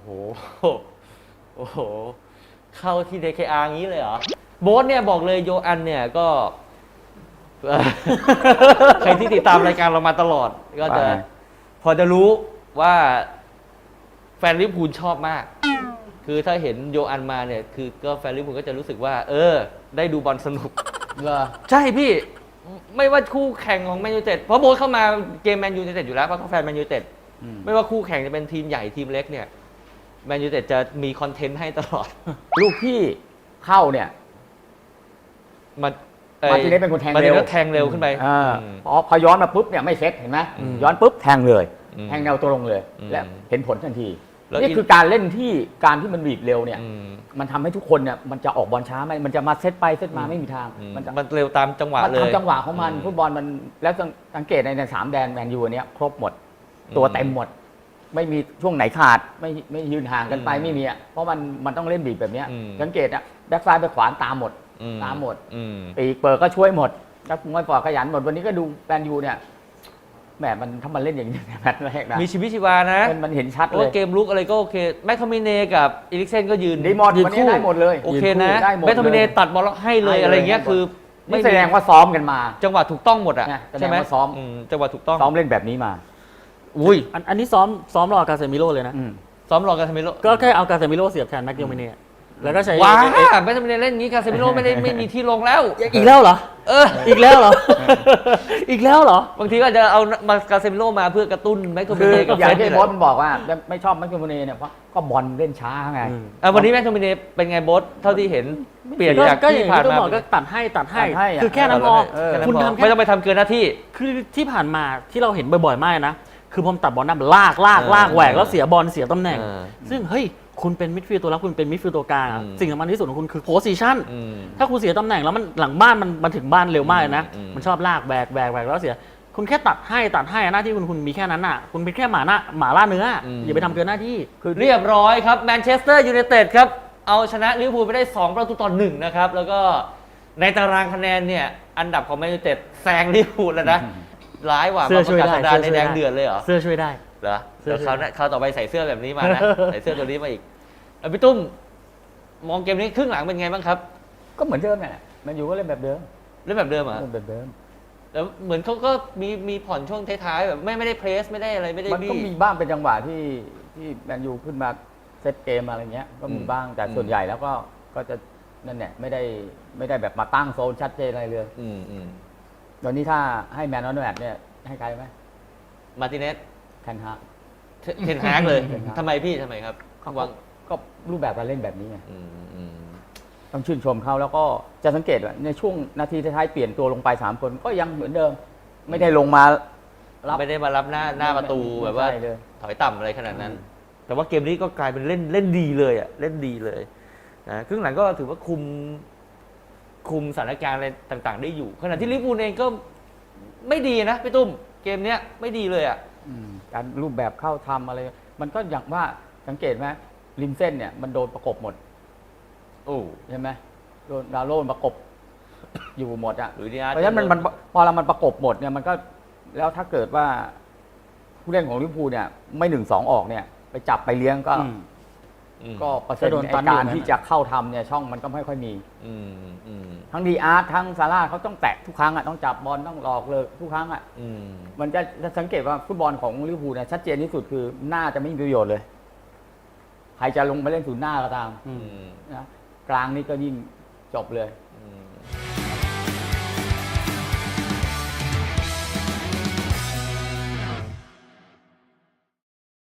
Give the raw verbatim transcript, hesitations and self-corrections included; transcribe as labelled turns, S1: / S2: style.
S1: โอ้โหเข้าที่ ดี เค อาร์ งี้เลยเหรอโบ๊ทเนี่ยบอกเลยโยอันเนี่ยก็ ใครที่ติดตามรายการเรามาตลอดก็จะพอจะรู้ว่าแฟนลิเวอร์พูลชอบมากคือถ้าเห็นโยอันมาเนี่ยคือก็แฟนลิเวอร์พูลก็จะรู้สึกว่าเออได้ดูบอลสนุก
S2: เหรอ
S1: ใช่พี่ไม่ว่าคู่แข่งของแมนยูไนเต็ดเพราะโบ๊ทเข้ามาเกมแมนยูไนเต็ดอยู่แล้วเพราะเขาแฟนแมนยูไนเต็ดไม่ว่าคู่แข่งจะเป็นทีมใหญ่ทีมเล็กเนี่ยแมนยูไนเต็ดจะมีคอนเทนต์ให้ตลอด
S2: ลูกพี่เข้าเนี่ย
S1: มัน
S2: มาทีนี้เป็นคนแทงเร็ว
S1: แทงเร็วขึ้นไป
S2: พอพอย้อนมาปุ๊บเนี่ยไม่เซ็ตเห็นไหมย้อนปุ๊บแทงเลยแทงแนวตัวลงเลยและเห็นผลทันทีนี่คือการเล่นที่การที่มันบีบเร็วเนี่ยมันทำให้ทุกคนเนี่ยมันจะออกบอลช้าไหมมันจะมาเซตไปเซตมาไม่มีทาง
S1: มันมันเร็วตามจังหวะเลย
S2: มันทำจังหวะของมันฟุตบอลมันแล้วสังเกตในในสามแดนแมนยูเนี้ยครบหมดตัวเต็มหมดไม่มีช่วงไหนขาดไม่ไม่ยืนห่างกันไปไม่มีอ่ะเพราะมันมันต้องเล่นบีบแบบนี้สังเกตอ่ะแบ็คซ้ายไปขวาตามหมดตามหมดปีกเปิดก็ช่วยหมดแล้วมวยปอดขยันหมดวันนี้ก็ดูแมนยูเนี่ยแหมมันถ้ามันเล่นอย่างนี้แมตช์แรกนะ
S1: มีชีวิตชีวานะ
S2: มันเห็นชัดเลย
S1: เกมลุกอะไรก็โอเคแม็กโทมิเน่กับอีริกเซนก็ยืน
S2: ดีหมดวันนี้ได้หมดเลย
S1: โอเคนะแม็กโทมิเน่ตัดบอลให้เลยอะไรเงี้ยคือ
S2: ไม่แสดงว่าซ้อมกันมา
S1: จังหวะถูกต้องหมดอ่ะใช่ไหม
S2: ซ้อม
S1: จังหวะถูกต้อง
S2: ซ้อมเล่นแบบนี้มา
S1: อุ้ย
S3: อันนี้ซ้อมซ้อมรอกาเซมิโร่เลยนะ
S1: ซ้อมรอกาเซมิโร่
S3: ก็แค่เอากาเซมิโร่เสียบแทนแม็กโทมิเน่แล้วก็ใช้
S1: ว้าแม็กโทมิเน่เล่นงี้กาเซมิโร่ไม่ได้ไม่มีที่ลงแล้ว
S3: อีกแล้วเหรอ
S1: เออ
S3: อีกแล้วเหรออีกแล้วเหรอ
S1: บางทีก็จะเอามากาเซมิโร่มาเพื่อกระตุ้นแม็กโทมิเน่กับ
S2: อย่างที่โบ๊ทมันบอกว่าไม่ชอบแม็กโทมิเน่เนี่ยเพราะก็บอลเล่นช้าไง
S1: วันนี้แม็กโทมิเน่เป็นไงโบ๊ทเท่าที่เห็นเปลี่ยนจากที่ผ่านมา
S3: ก็ตัดให้ตัดให้คือแค่นั้นพอ
S1: คุณทำไม่ต้องไปทำเกินหน้าที่
S3: คือที่ผ่านมาที่เราเห็นบ่อยๆมากนะคือผมตัดบอลหน้าลากลากลากแหวกแล้วเสียบอลเสียตำแหน่งซึ่งเฮ้ยคุณเป็นมิดฟิลด์ตัวรับคุณเป็นมิดฟิลด์ตัวกลางสิ่งสำคัญที่สุดของคุณคือโพสิชันถ้าคุณเสียตำแหน่งแล้วมันหลังบ้านมันมันถึงบ้านเร็วมากเลยนะมันชอบลากแหวกแหวกแหวกแล้วเสียคุณแค่ตัดให้ตัดให้หน้าที่คุณคุณมีแค่นั้นอ่ะคุณเป็นแค่หมาหน้าหมาล่าเนื้ออย่าไปทำเกินหน้าที่
S1: คือเรียบร้อยครับแมนเชสเตอร์ยูไนเต็ดครับเอาชนะลิเวอร์พูลไปได้สองประตูต่อหนึ่งนะครับแล้วก็ในตารางคะแนนเนี่ยอันดับของแมนยูไนเต็ดแซงลิเวอร์พูลแล้วนะร้ายกว่ามาประกาศสัปดาห์ในแดงเดือดเลยเหรอ
S3: เสื้อช่วยได้
S1: เหรอเดี๋ยวเขาเขาต่อไปใส่เสื้อแบบนี้มานะใส่เสื้อตัวนี้มาอีกพี่ตุ้มมองเกมนี้ครึ่งหลังเป็นไงบ้างครับ
S2: ก็เหมือนเดิมแหละมันอยู่ก็เล่นแบบเดิม
S1: เล่นแบบเดิมเหรอ
S2: เล่นแบบเดิม
S1: แล้วเหมือนเขาก็มีมีผ่อนช่วงท้ายๆแบบไม่ไม่ได้เพรสไม่ได้อะไรไม่ได้
S2: มันก็มีบ้างเป็นจังหวะที่ที่แมนยูขึ้นมาเซตเกมอะไรเงี้ยก็มีบ้างแต่ส่วนใหญ่แล้วก็ก็จะนั่นแหละไม่ได้ไม่ได้แบบมาตั้งโซนชัดเจนอะไรเลยตอนนี้ถ้าให้แมนนอตแมทเนี่ยให้ใครไหม
S1: มาร์ติเนส
S2: เทนฮาก
S1: เทนฮากเลยทำไมพี่ทำไมครับ
S2: วางก็รูปแบบการเล่นแบบนี้ไงต้องชื่นชมเขาแล้วก็จะสังเกตว่าในช่วงนาทีท้ายเปลี่ยนตัวลงไปสามคนก็ยังเหมือนเดิมไม่ได้ลงมา
S1: รับไม่ได้มารับหน้าหน้าประตูแบบว่าถอยต่ำอะไรขนาดนั้นแต่ว่าเกมนี้ก็กลายเป็นเล่นเล่นดีเลยอ่ะเล่นดีเลยนะครึ่งหลังก็ถือว่าคุมคุมสถานการณ์อะไรต่างๆได้อยู่ขณะที่ลิเวอร์พูลเองก็ไม่ดีนะพี่ตุ้มเกมนี้ไม่ดีเลยอ่ะ
S2: การรูปแบบเข้าทำอะไรมันก็อย่างว่าสังเกตไหมริมเส้นเนี่ยมันโดนประกบหมด
S1: โอ้
S2: ใช่ไหมโดนดาวโลนประกบอยู่หมดอ่ะเพราะฉะนั้นมันมันพอเรามันประกบหมดเนี่ยมันก็แล้วถ้าเกิดว่าผู้เล่นของลิเวอร์พูลเนี่ยไม่หนึ่งสองออกเนี่ยไปจับไปเลี้ยงก็ก็เปอร์เซ็นต์ในการที่จะเข้าทำเนี่ยช่องมันก็ไม่ค่อยมีทั้งดีอาร์ตทั้งซาร่าเขาต้องแตะทุกครั้งอ่ะต้องจับบอลต้องหลอกเลยทุกครั้งอ่ะมันจะสังเกตว่าฟุตบอลของลิเวอร์พูลเนี่ยชัดเจนที่สุดคือหน้าจะไม่มีประโยชน์เลยใครจะลงมาเล่นศูนย์หน้าก็ตามนะกลางนี่ก็ยิ่งจบเลย